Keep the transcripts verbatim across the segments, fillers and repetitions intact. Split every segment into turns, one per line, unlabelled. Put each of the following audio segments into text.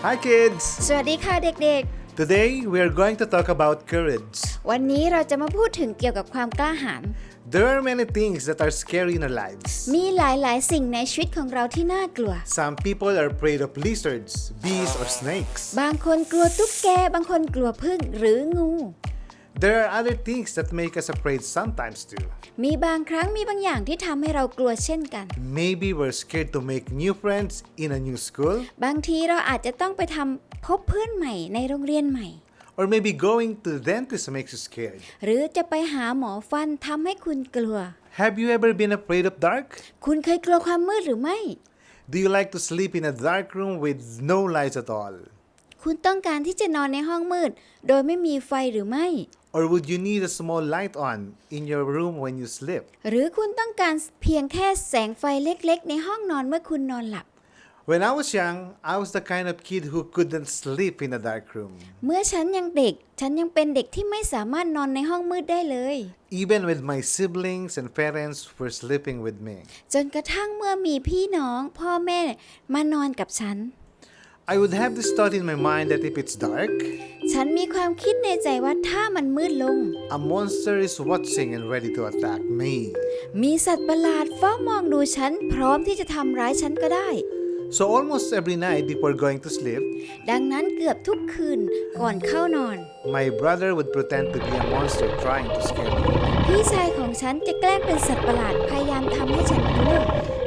Hi kids!
สวัสดีค่ะเด็ก
Today we are going to talk about courage.
ๆ วันนี้เราจะมาพูดถึงเกี่ยวกับความกล้าหาญ
There are many things that are scary in our lives.
มีหลายๆ สิ่งในชีวิตของเราที่น่ากลัว
Some people are afraid of lizards, bees, or snakes.
บางคนกลัวตุ๊กแก บางคนกลัวผึ้งหรืองู
There are other things that make us afraid sometimes too.
มีบางครั้งมีบางอย่างที่ทำให้เรากลัวเช่นกัน
Maybe we're scared to make new friends in a new school.
บางทีเราอาจจะต้องไปทำพบเพื่อนใหม่ในโรงเรียนใหม่
Or maybe going to the dentist makes you scared.
หรือจะไปหาหมอฟันทำให้คุณกลัว
Have you ever been afraid of dark?
คุณเคยกลัวความมืดหรือไม่
Do you like to sleep in a dark room with no lights at all?
คุณต้องการที่จะนอนในห้องมืดโดยไม่มีไฟหรือไม่
Or would you need a small light on in your room when you sleep?
หรือคุณต้องการเพียงแค่แสงไฟเล็กๆในห้องนอนเมื่อคุณนอนหลับ
When I was young, I was the kind of kid who couldn't sleep in a dark room.
เมื่อฉันยังเด็กฉันยังเป็นเด็กที่ไม่สามารถนอนในห้องมืดได้เลย
Even with my siblings and parents were sleeping with me.
จนกระทั่งเมื่อมีพี่น้องพ่อแม่มานอนกับฉัน
I would have this thought in my mind that if it's dark,
ฉันมีความคิดในใจว่าถ้ามันมืดลง
a monster is watching and ready to attack me.
มีสัตว์ประหลาดเฝ้ามองดูฉันพร้อมที่จะทำร้ายฉันก็ได้
So almost every night before going to sleep,
ดังนั้นเกือบทุกคืนก่อนเข้านอน
my brother would pretend to be a monster trying to scare me.
พี่ชายของฉันจะแกล้งเป็นสัตว์ประหลาดพยายามทำให้ฉันกลัว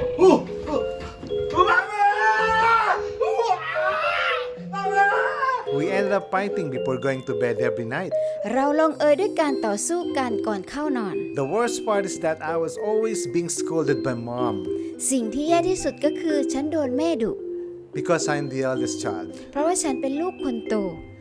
We ended up fighting before going to bed every night.
เราลงเอยด้วยการต่อสู้กันก่อนเข้านอน
The worst part is that I was always being scolded by mom
สิ่งที่แย่ที่สุดก็คือฉันโดนแม่ดุ
because I'm the eldest child.
เพราะว่าฉันเป็นลูกคนโต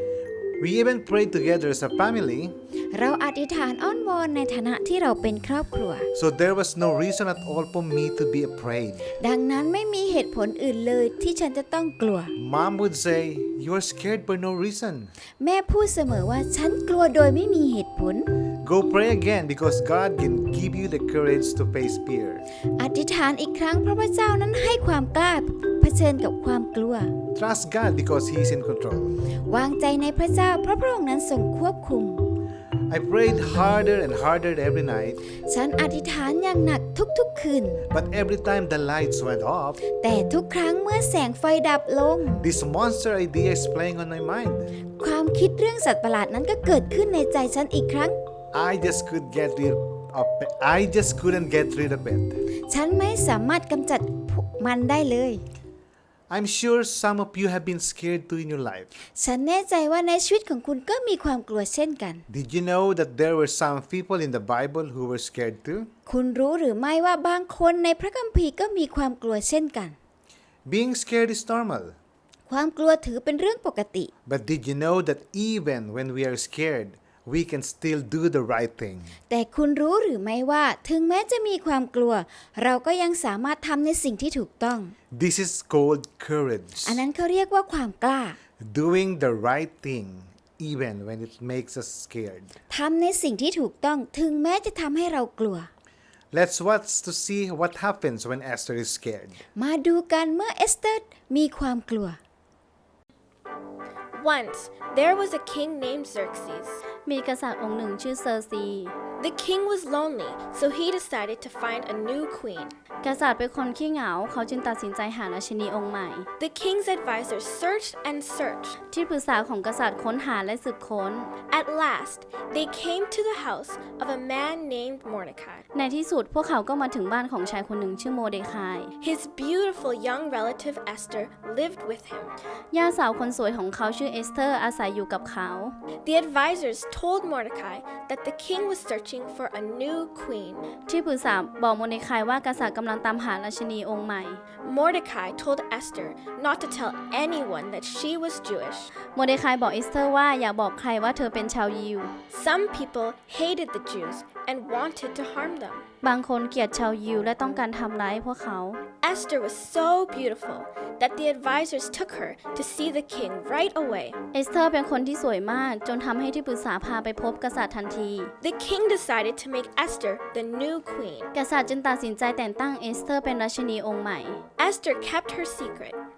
We even prayed together as a family,
เราอธิษฐานอ้อนวอนในฐานะที่เราเป็นครอบครัว
so there was no reason at all for me to be afraid.
ดังนั้นไม่มีเหตุผลอื่นเลยที่ฉันจะต้องกลัว
Mom would say, "You are scared for no reason.
แม่พูดเสมอว่าฉันกลัวโดยไม่มีเหตุผล
Go pray again because God can give you the courage to face fear."
อธิษฐานอีกครั้งเพราะพระเจ้านั้นให้ความกล้าเผชิญกับความกลัว
Trust God because He is in control.
วางใจในพระเจ้าเพราะพระองค์นั้นทรงควบคุม
I prayed harder and harder every night,
ฉันอธิษฐานอย่างหนักทุกๆคืน
but every time the lights went off,
แต่ทุกครั้งเมื่อแสงไฟดับลง
this monster idea is playing on my mind.
ความคิดเรื่องสัตว์ประหลาดนั้นก็เกิดขึ้นในใจฉันอีกครั้ง
I just could get rid of it. I just couldn't get rid of it.
ฉันไม่สามารถกำจัดมันได้เลย
I'm sure some of you have been scared too in your life.
ฉันแน่ใจว่าในชีวิตของคุณก็มีความกลัวเช่นกัน
Did you know that there were some people in the Bible who were scared too?
คุณรู้หรือไม่ว่าบางคนในพระคัมภีร์ก็มีความกลัวเช่นกัน
Being scared is normal.
ความกลัวถือเป็นเรื่องปกติ
But did you know that even when we are scared, we can still do the right thing?
แต่คุณรู้หรือไม่ว่าถึงแม้จะมีความกลัว เราก็ยังสามารถทำในสิ่งที่ถูกต้อง
This is called courage.
อันนั้นเขาเรียกว่าความกล้า
Doing the right thing even when it makes us scared.
ทำในสิ่งที่ถูกต้องถึงแม้จะทำให้เรากลัว
Let's watch to see what happens when Esther is scared.
มาดูกันเมื่อเอสเตอร์มีความกลัว
Once, there was a king named Xerxes.
มีกษัตริย์องค์หนึ่งชื่อเซอร์ซี
The king was lonely, so he decided to find a new queen.
กษัตริย์เป็นคนขี้เหงาเขาจึงตัดสินใจหาราชินีองค์ใหม่
The king's advisors searched and searched.
ที่ปรึกษาของกษัตริย์ค้นหาและสืบค้น
At last, they came to the house of a man named Mordecai.
ในที่สุดพวกเขาก็มาถึงบ้านของชายคนหนึ่งชื่อโมเดคาย
His beautiful young relative Esther lived with him.
ย่าสาวคนสวยของเขาชื่อเอสเธอร์อาศัยอยู่กับเขา
The advisors told Mordecai that the king was searching for a new queen.
ที่ปรึกษาบอกโมเดคายว่ากษัตริย์กำลังตามหาราชินีองค์ใหม่
Mordecai told Esther not to tell anyone that she was Jewish.
โมเดคายบอกเอสเธอร์ว่าอย่าบอกใครว่าเธอเป็นชาวยิว
Some people hated the Jews and wanted to harm them.
บางคนเกลียดชาวยิวและต้องการทำร้ายพวกเขา
Esther was so beautiful that the advisors took her to see the king right away.
เอสเธอร์เป็นคนที่สวยมากจนทำให้ที่ปรึกษาพาไปพบกษัตริย์ทันที
The king decided to make Esther the new queen.
กษัตริย์จึงตัดสินใจแต่งตั้งเอสเธอร์เป็นราชินีองค์ใหม่
Esther kept her secret.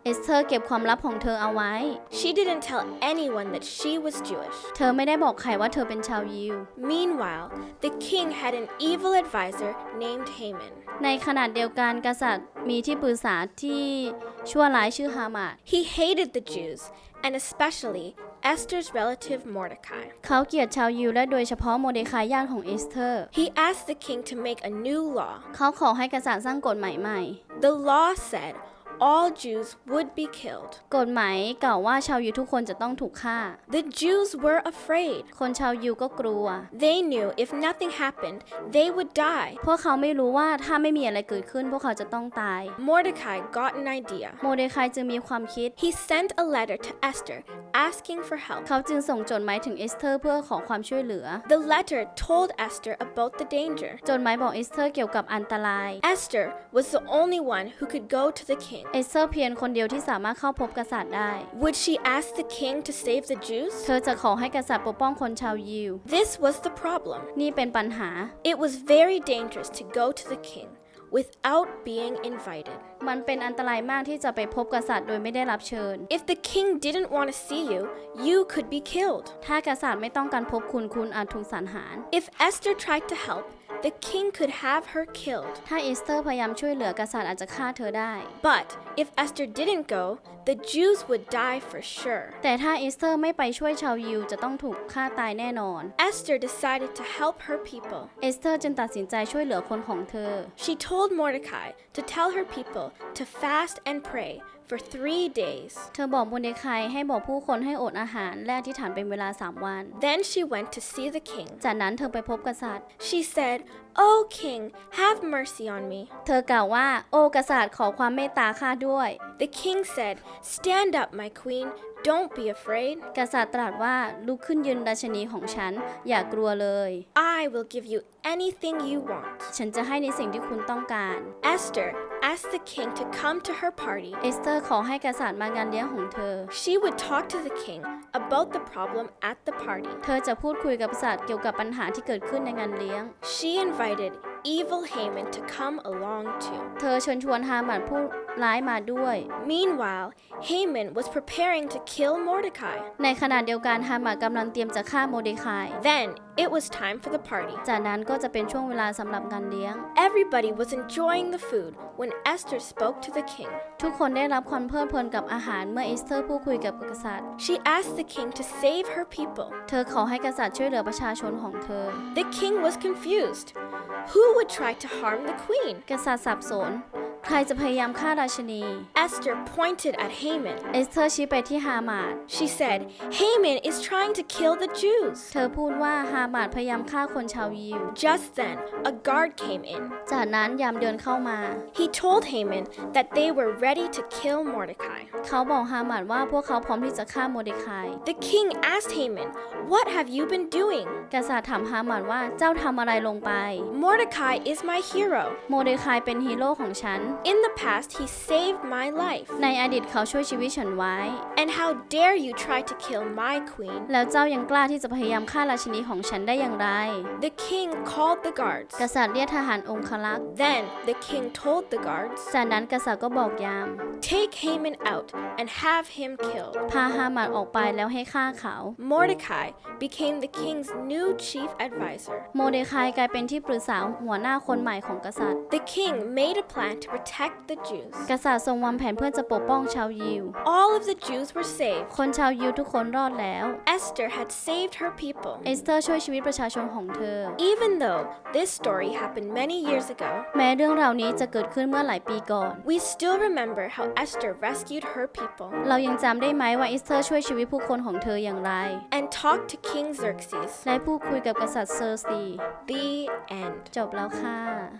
เอสเธอร์เก็บความลับของเธอเอาไว้
She didn't tell anyone that she was Jewish.
เธอไม่ได้บอกใครว่าเธอเป็นชาวยิว
Meanwhile, the king had an evil advisor named Haman.
ในขณะเดียวกันกษัตริย์มีที่ปรึกษาที่ชั่วร้ายชื่อฮามาด
He hated the Jews, and especially Esther's relative Mordecai.
เขาเกลียดชาวยิวและโดยเฉพาะโมเดคายญาติของเอสเธอร์
He asked the king to make a new law.
เขาขอให้กษัตริย์สร้างกฎหมายใหม่
The law said all Jews would be killed.
กฎหมายกล่าวว่าชาวยิวทุกคนจะต้องถูกฆ่า
The Jews were afraid.
คนชาวยิวก็กลัว
They knew if nothing happened, they would die.
พวกเขาไม่รู้ว่าถ้าไม่มีอะไรเกิดขึ้นพวกเขาจะต้องตาย
Mordecai got an idea.
โมเดคายจึงมีความคิด
He sent a letter to Esther asking for help.
เขาจึงส่งจดหมายถึงเอสเธอร์เพื่อขอความช่วยเหลือ
The letter told Esther about the danger.
จดหมายบอกเอสเธอร์เกี่ยวกับอันตราย
Esther was the only one who could go to the king.
เอสเธอร์เพียงคนเดียวที่สามารถเข้าพบกษัตริย์ได้
Would she ask the king to save the Jews?
เธอจะขอให้กษัตริย์ปกป้องคนชาวยิว
This was the problem.
นี่เป็นปัญหา
It was very dangerous to go to the king without being invited.
มันเป็นอันตรายมากที่จะไปพบกษัตริย์โดยไม่ได้รับเชิญ
If the king didn't want to see you, you could be killed.
ถ้ากษัตริย์ไม่ต้องการพบคุณคุณอาจถูกสังหาร
If Esther tried to help, the king could have her killed.
ถ้าเอสเธอร์พยายามช่วยเหลือกษัตริย์อาจจะฆ่าเธอได้
But if Esther didn't go, the Jews would die for sure.
แต่ถ้าเอสเธอร์ไม่ไปช่วยชาวยิวจะต้องถูกฆ่าตายแน่นอน
Esther decided to help her people.
เอสเธอร์จึงตัดสินใจช่วยเหลือคนของเธอ
She told Mordecai to tell her people to fast and pray for three days.
เธอบอกโมเดคายให้บอกผู้คนให้อดอาหารและอธิษฐานเป็นเวลาสามวัน
Then she went to see the king.
จากนั้นเธอไปพบกษัตริย์
She said, "Oh king, have mercy on me."
เธอกล่าวว่าโอ้กษัตริย์ขอความเมตตาข้าด้วย
The king said, "Stand up, my queen. Don't be afraid.
กษัตริย์ตรัสว่าลุกขึ้นยืนราชินีของฉันอย่ากลัวเลย
I will give you anything you want."
ฉันจะให้ในสิ่งที่คุณต้องการ
Esther asked the king to come to her party.
เอสเธอร์ขอให้กษัตริย์มางานเลี้ยงของเธอ
She would talk to the king about the problem at the party.
เธอจะพูดคุยกับกษัตริย์เกี่ยวกับปัญหาที่เกิดขึ้นในงานเลี้ยง
She invited evil Haman to come along too.
เธอเชิญชวนฮามันผู้ร้ายมาด้วย
Meanwhile, Haman was preparing to kill Mordecai.
ในขณะเดียวกันฮามันกำลังเตรียมจะฆ่าโมเดคาย
Then it was time for the party.
จากนั้นก็จะเป็นช่วงเวลาสำหรับงานเลี้ยง
Everybody was enjoying the food when Esther spoke to the king.
ทุกคนได้รับความเพลิดเพลินกับอาหารเมื่อเอสเธอร์พูดคุยกับกษัตริย์
She asked the king to save her people.
เธอขอให้กษัตริย์ช่วยเหลือประชาชนของเธอ
The king was confused. Who would try to harm the queen?
กษัตริย์สับสน ใครจะพยายามฆ่าราชินี
Esther pointed at Haman.
เอสเธอร์ชี้ไปที่ฮามาด
She said, Haman is trying to kill the Jews.
เธอพูดว่าฮามาดพยายามฆ่าคนชาวยิว
Just then, a guard came in.
จากนั้นยามเดินเข้ามา
He told Haman that they were ready to kill Mordecai.
เขาบอกฮามาดว่าพวกเขาพร้อมที่จะฆ่าโมเดคาย
The king asked Haman, "What have you been doing?"
กษัตริย์ถามฮามาดว่าเจ้าทำอะไรลงไป
Mordecai is my hero.
โมเดคายเป็นฮีโร่ของฉัน
In the past, he saved my life.
ในอดีตเขาช่วยชีวิตฉันไว้
And how dare you try to kill my queen?
แล้วเจ้ายังกล้าที่จะพยายามฆ่าราชินีของฉันได้อย่างไร
The king called the guards.
กษัตริย์เรียกทหารองครักษ์
Then the king told the guards,
จากนั้นกษัตริย์ก็บอกยาม
"Take Haman out and have him killed."
พาฮามาดออกไปแล้วให้ฆ่าเขา
Mordecai became the king's new chief advisor.
โมเดคายกลายเป็นที่ปรึกษาหัวหน้าคนใหม่ของกษัตริย์
The king made a plan to protect the Jews.
กษัตริย์ทรงวางแผนเพื่อจะปกป้องชาวยิว
All of the Jews were saved.
คนชาวยิวทุกคนรอดแล้ว
Esther had saved her people.
เอสเธอร์ช่วยชีวิตประชาชนของเธอ
Even though this story happened many years ago,
แม้เรื่องราวนี้จะเกิดขึ้นเมื่อหลายปีก่อน
we still remember how Esther rescued her people
เรายังจำได้ไหมว่าเอสเธอร์ช่วยชีวิตผู้คนของเธออย่างไร
and talked to King Xerxes.
และพูดคุยกับกษัตริย์เซอร์ซี
The end.
จบแล้วค่ะ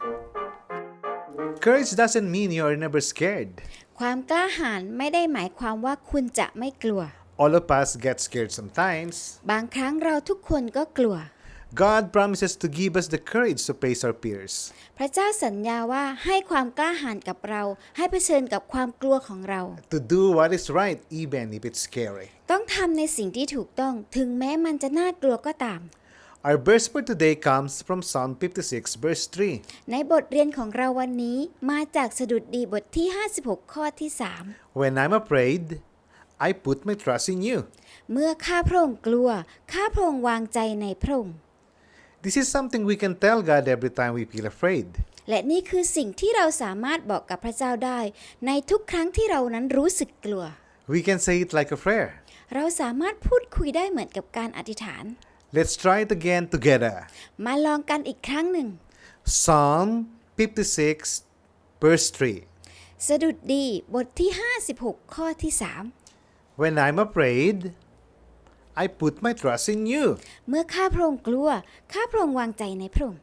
Courage doesn't mean you are never scared.
ความกล้าหาญไม่ได้หมายความว่าคุณจะไม่กลัว
All of us get scared sometimes.
บางครั้งเราทุกคนก็กลัว
God promises to give us the courage to face our fears.
พระเจ้าสัญญาว่าให้ความกล้าหาญกับเรา ให้เผชิญกับความกลัวของเรา
To do what is right even if it's scary.
ต้องทำในสิ่งที่ถูกต้องถึงแม้มันจะน่ากลัวก็ตาม
Our verse for today comes from Psalm fifty-six, verse three.
ในบทเรียนของเราวันนี้มาจากสดุดดีบทที่ห้าสิบหกข้อที่สาม
When I'm afraid, I put my trust in you.
เมื่อข้าพระองค์กลัวข้าพระองค์วางใจในพระองค์
This is something we can tell God every time we feel afraid.
และนี่คือสิ่งที่เราสามารถบอกกับพระเจ้าได้ในทุกครั้งที่เรานั้นรู้สึกกลัว
We can say it like a prayer.
เราสามารถพูดคุยได้เหมือนกับการอธิษฐาน
Let's try it again together.
มาลองกันอีกครั้งหนึ่ง
Psalm fifty-six, verse three.
สดุดดีบทที่ห้าสิบหกข้อที่สาม
When I'm afraid, I put my trust in you.
เมื่อข้าพระองค์กลัวข้าพระองค์วางใจในพระองค์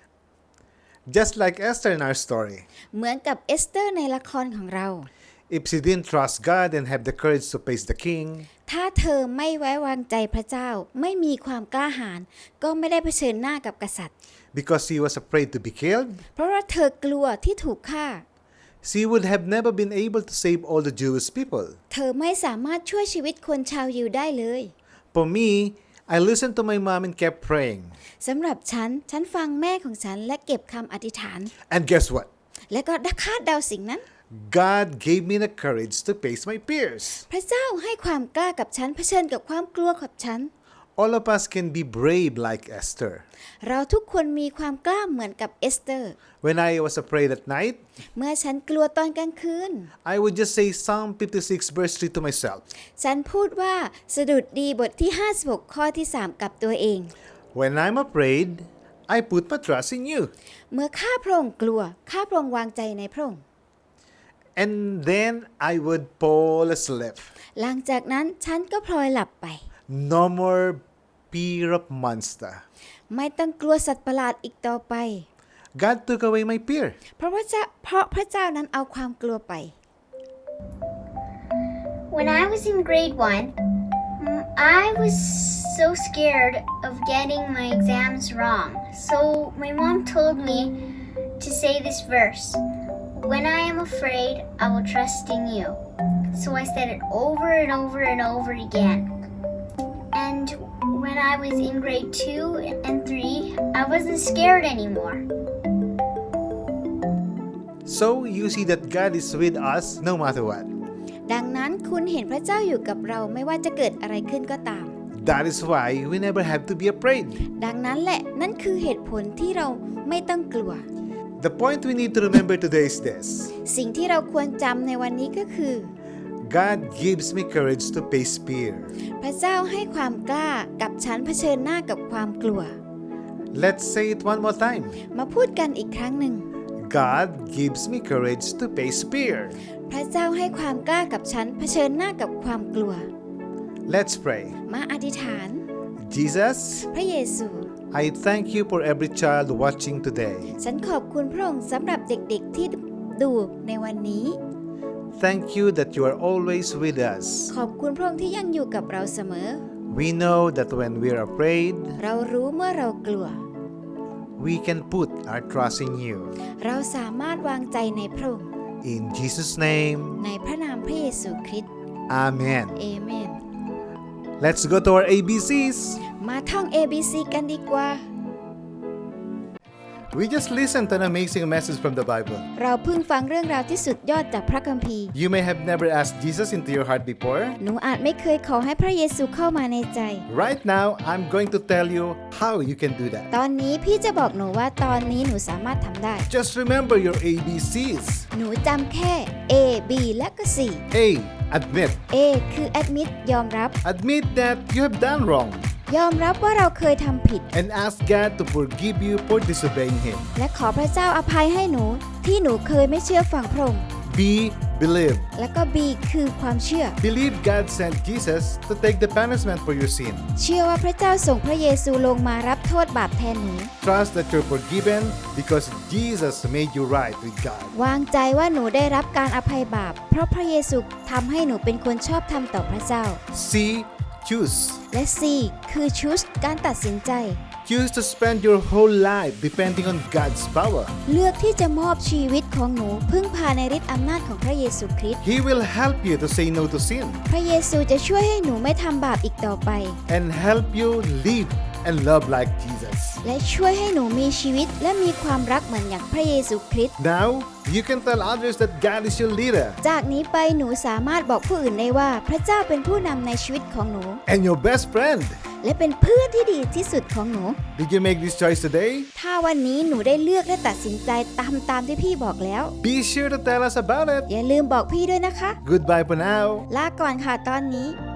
Just like Esther in our story.
เหมือนกับเอสเตอร์ในละครของเรา
If she didn't trust God and have the courage to face the king,
ถ้าเธอไม่ไว้วางใจพระเจ้าไม่มีความกล้าหาญก็ไม่ได้เผชิญหน้ากับกษัตริย์
because she was afraid to be killed,
เพราะว่าเธอกลัวที่ถูกฆ่า
she would have never been able to save all the Jewish people.
เธอไม่สามารถช่วยชีวิตคนชาวยิวได้เลย
For me, I listened to my mom and kept praying.
สำหรับฉันฉันฟังแม่ของฉันและเก็บคำอธิษฐาน
And guess what?
และก็คาดเดาสิ่งนั้น
God gave me the courage to face my fears.
พระเจ้าให้ความกล้ากับฉันเผชิญกับความกลัวกับฉัน
All of us can be brave like Esther.
เราทุกคนมีความกล้าเหมือนกับเอสเตอร์
When I was afraid at night,
เมื่อฉันกลัวตอนกลางคืน
I would just say Psalm fifty-six, verse three to myself.
ฉันพูดว่าสดุดดีบทที่ห้าสิบหกข้อที่สามกับตัวเอง
When I'm afraid, I put my trust in you.
เมื่อข้าพระองค์กลัวข้าพระองค์วางใจในพระองค์
And then I would fall asleep.
หลังจากนั้นฉันก็พลอยหลับไป
No more fear of monster.
ไม่ต้องกลัวสัตว์ประหลาดอีกต่อไป
God took away my fear.
เพราะพระเจ้าเพราะพระเจ้านั้นเอาความกลัวไป
When I was in grade one, mm, I was so scared of getting my exams wrong. So my mom told me to say this verse. When I am afraid, I will trust in you. So I said it over and over and over again. And when I was in grade two and three, I wasn't scared anymore.
So you see that God is with us no matter what.
ดังนั้นคุณเห็นพระเจ้าอยู่กับเราไม่ว่าจะเกิดอะไรขึ้นก็ตาม
That is why we never have to be afraid.
ดังนั้นแหละนั่นคือเหตุผลที่เราไม่ต้องกลัว
The point we need to remember today is this.
สิ่งที่เราควรจำในวันนี้ก็คือ
God gives me courage to face fear.
พระเจ้าให้ความกล้ากับฉันเผชิญหน้ากับความกลัว
Let's say it one more time.
มาพูดกันอีกครั้งหนึ่ง
God gives me courage to face fear.
พระเจ้าให้ความกล้ากับฉันเผชิญหน้ากับความกลัว
Let's pray.
มาอธิษฐาน
Jesus,
พระเยซู
I thank you for every child watching today.
ฉันขอบคุณพระองค์สำหรับเด็กๆที่ดูในวันนี้
Thank you that you are always with us.
ขอบคุณพระองค์ที่ยังอยู่กับเราเสมอ
We know that when we are afraid,
เรารู้เมื่อเรากลัว
we can put our trust in you.
เราสามารถวางใจในพระองค์
In Jesus' name,
ในพระนามพระเยซูคริสต์
Amen.
เอเมน
Let's go to our A B Cs.
มาท่อง เอ บี ซี กันดีกว่า
We just listened to an amazing message from the Bible.
เราเพิ่งฟังเรื่องราวที่สุดยอดจากพระคัมภีร์
You may have never asked Jesus into your heart before.
หนูอาจไม่เคยขอให้พระเยซูเข้ามาในใจ
Right now, I'm going to tell you how you can do that.
ตอนนี้พี่จะบอกหนูว่าตอนนี้หนูสามารถทำได้
Just remember your A B Cs.
หนูจำแค่ A B และก็ C
A. Admit.
A คือ admit ยอมรับ
Admit that you have done wrong
ยอมรับว่าเราเคยทำผิด
and ask God to forgive you for disobeying Him.
และขอพระเจ้าอภัยให้หนูที่หนูเคยไม่เชื่อฟังพระองค์
B. Believe.
และก็ B คือความเชื่อ
Believe God sent Jesus to take the punishment for your sin.
เชื่อว่าพระเจ้าส่งพระเยซูลงมารับโทษบาปแทนหนู
Trust that you're forgiven because Jesus made you right with God.
วางใจว่าหนูได้รับการอภัยบาปเพราะพระเยซูทำให้หนูเป็นคนชอบธรรมต่อพระเจ้า
C. Choose.
และ C คือ choose การตัดสินใจ
Choose to spend your whole life depending on God's power.
เลือกที่จะมอบชีวิตของหนูพึ่งพาในฤทธิ์อำนาจของพระเยซูคริสต์
He will help you to say no to sin
พระเยซูจะช่วยให้หนูไม่ทำบาปอีกต่อไป
and help you live and love like Jesus.
และช่วยให้หนูมีชีวิตและมีความรักเหมือนอย่างพระเยซูคริสต์
Now, you can tell others that God is your leader
จากนี้ไปหนูสามารถบอกผู้อื่นได้ว่าพระเจ้าเป็นผู้นำในชีวิตของหนู
and your best friend.
และเป็นเพื่อนที่ดีที่สุดของหนู
Did you make this choice today?
ถ้าวันนี้หนูได้เลือกและตัดสินใจตามตามที่พี่บอกแล้ว
Be sure to tell us about it.
อย่าลืมบอกพี่ด้วยนะคะ
Goodbye for now.
ลาก่อนค่ะตอนนี้